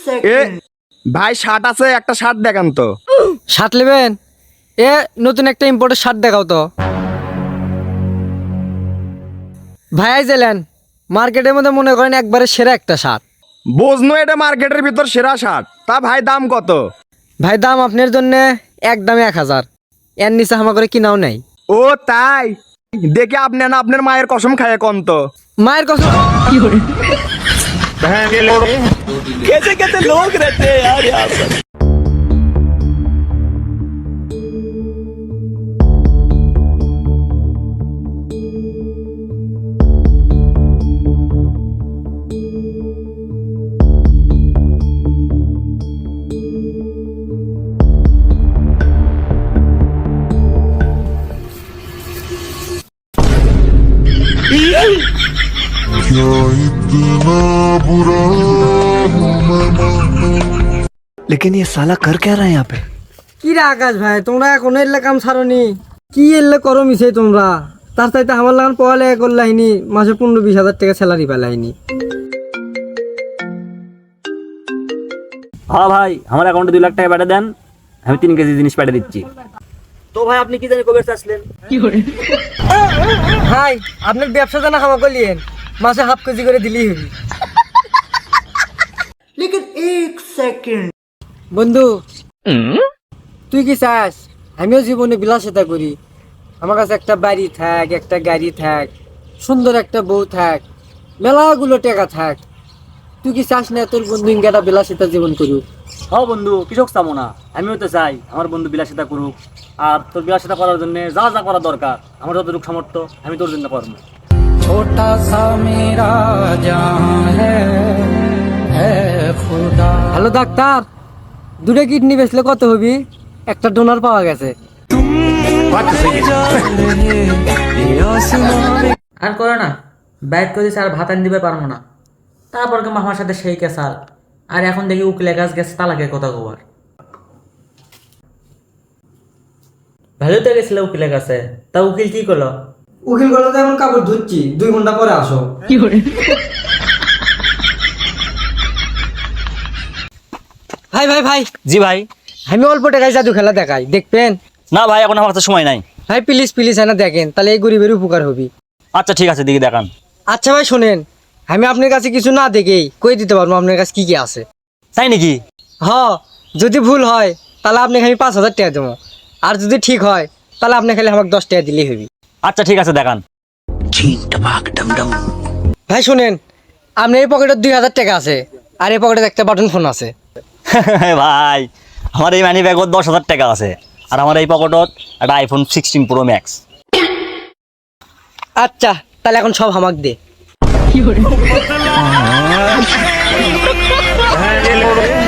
ভাই শার্ট আছে, একটা শার্ট দেখান তো। শার্ট নেবেন? এ নতুন একটা ইম্পোর্টের শার্ট দেখাও তো ভাই। আইজেলেন মার্কেটের মধ্যে মনে করেন একবারে সেরা একটা শার্ট। বুঝনো এটা মার্কেটের ভিতর সেরা শার্ট, তা ভাই দাম কত? ভাই দাম আপনার জন্য একদমই 1000, এর নিচে হামা করে কিনাও নেই। ও তাই? দেখে আপনি না আপনার মায়ের কসম খায় কোন তো। মায়ের কসম। कैसे कैसे लोग रहते हैं यार यहाँ पर। लेकिन ये साला कर क्या रहा है यहाँ पे? কি রে আকাশ ভাই, তোমরা এখন এলে কাম ছাড়নি? কি এলে করো মিছে তোমরা? তার চাইতে আমার লাগান পড়ালেখা করলাইনি, মাসে 15-20 হাজার টাকা স্যালারি পেলাইনি। हाँ भाई, हमारे अकाउंटे 2 लाख টাকা পাঠিয়ে দেন, আমি 3 কেজি জিনিস পাঠিয়ে দিচ্ছি। তো ভাই আপনি কি জানি কবে আসলেন? ভাই আপনার ব্যবসা জানা খাওয়া করলেন, মাসে হাফ কেজি করে দিলেই হবি। लेकिन एक सेकंड বন্ধু তুই কি চাস আমিও জীবনে বিলাসিতা করি? আমার কাছে একটা বাড়ি থাক, একটা গাড়ি থাক, সুন্দর একটা বউ থাক, মেলাগুলো টাকা থাক। তুই কি চাস না তোর বন্ধু ইঙ্গাটা বিলাসিতা জীবন করুক? হ্যাঁ বন্ধু, কৃষক চাবো না, আমিও তো চাই আমার বন্ধু বিলাসিতা করুক। আর তোর বিলাসিতা করার জন্য যা যা করা দরকার আমার যতটুকু সামর্থ্য আমি তোর জন্য করবো। ছোটা সা মেরা জাহান হ্যায় খুদা। হ্যালো ডাক্তার, 2টা কিডনি বেচলে কত হবি? একটা ডোনার পাওয়া গেছে। আর করে না, ব্যাট করে আর ভাত আন দিবে পারবো না। তারপর কে মামার সাথে সেই কেসাল, আর এখন দেখি উকিলের কাজ গেছে তালাকের কথা কবার। ভালো তো গেছিল উকিলের কাছে, তা উকিল কি করলো? উকিল গুলো তো এখন কাপড় ধুচ্ছি, 2 ঘন্টা পরে আসো। ভাই ভাই ভাই। জি ভাই। আমি অল্প টাকায় জাদু খেলা দেখাই, দেখবেন? না ভাই, এখন আমার কাছে সময় নাই। ভাই প্লিজ প্লিজ না দেখেন, তাহলে এই গরিবের উপকার হবি। আচ্ছা ঠিক আছে, দিকে দেখান। আচ্ছা ভাই শোনেন, আমি আপনার কাছে কিছু না দেখেই কই দিতে পারবো আপনার কাছে কি কি আছে। তাই নাকি? হ, যদি ভুল হয় তাহলে আপনাকে আমি 5000 টাকা দেবো, আর যদি ঠিক হয় তাহলে আপনি খালি আমাকে 10 টাকা দিলেই হবি। আচ্ছা ঠিক আছে, দেখান। ভাই শোনেন, আপনার এই পকেটে 2000 টাকা আছে, আর এই পকেটে একটা বাটন ফোন আছে। ভাই আমার এই মানি ব্যাগত 10,000 টাকা আছে, আর আমার এই পকেটত একটা আইফোন 16 প্রো ম্যাক্স। আচ্ছা তাহলে এখন সব আমাকে দে।